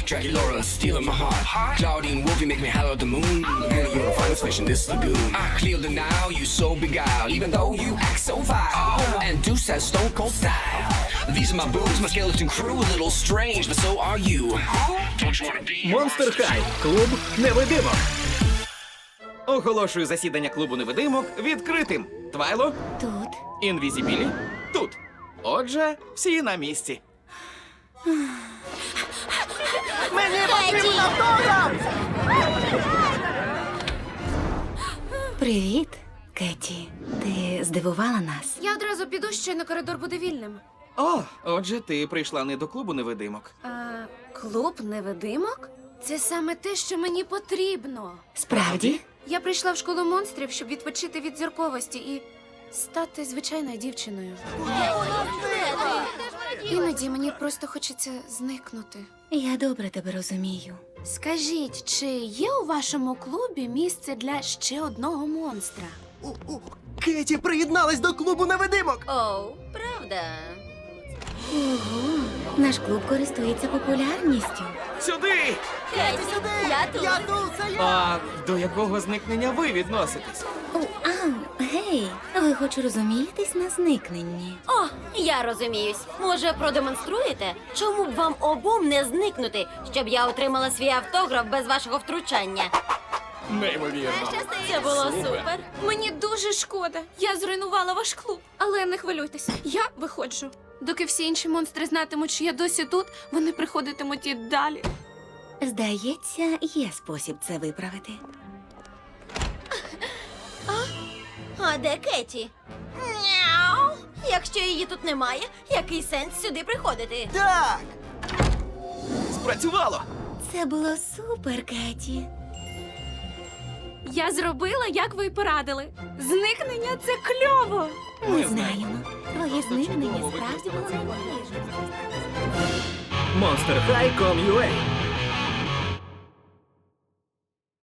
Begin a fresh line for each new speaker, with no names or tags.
Dracula stealing my heart. Claudine Wolfie make me holler at the moon. Girl, you're the finest fish in this lagoon. I clear the now, you so beguiled, even though you act so vile. And Deuce has stone cold style. These are my boobs, my skeleton crew, a little strange, but so are you. Don't you wanna be
Монстер Хай. Клуб невидимок. Оголошую засідання клубу невидимок відкритим. Твайло,
Тут.
Інвізібілі, тут. Отже, всі на місці.
Мені потрібен автограф!
Привіт, Кеті. Ти здивувала нас.
Я одразу піду, щойно коридор буде вільним.
О, отже, ти прийшла не до клубу невидимок.
Клуб невидимок? Це саме те, що мені потрібно.
Справді?
Я прийшла в школу монстрів, щоб відпочити від зірковості і стати звичайною дівчиною. Іноді мені просто хочеться зникнути.
Я добре тебе розумію.
Скажіть, чи є у вашому клубі місце для ще одного монстра?
Кеті приєдналась до клубу невидимок!
Оу, правда?
Наш клуб користується популярністю.
Сюди!
Кеті, я тут.
Я тут, це я!
А до якого зникнення ви відноситесь?
Гей, ви хоч розумієтесь на зникненні?
О, я розуміюсь. Може, продемонструєте? Чому б вам обом не зникнути, щоб я отримала свій автограф без вашого втручання?
Неймовірно.
Це було супер.
Мені дуже шкода. Я зруйнувала ваш клуб. Але не хвилюйтеся, я виходжу. Доки всі інші монстри знатимуть, що я досі тут, вони приходитимуть і далі.
Здається, є спосіб це виправити.
А де Кеті? Няу. Якщо її тут немає, який сенс сюди приходити?
Так!
Спрацювало!
Це було супер, Кеті.
Я зробила, як ви й порадили. Зникнення – це кльово.
Ми знаємо. Твоє зникнення
чудово
справді було
використала
найбільше.
Monster High.com.ua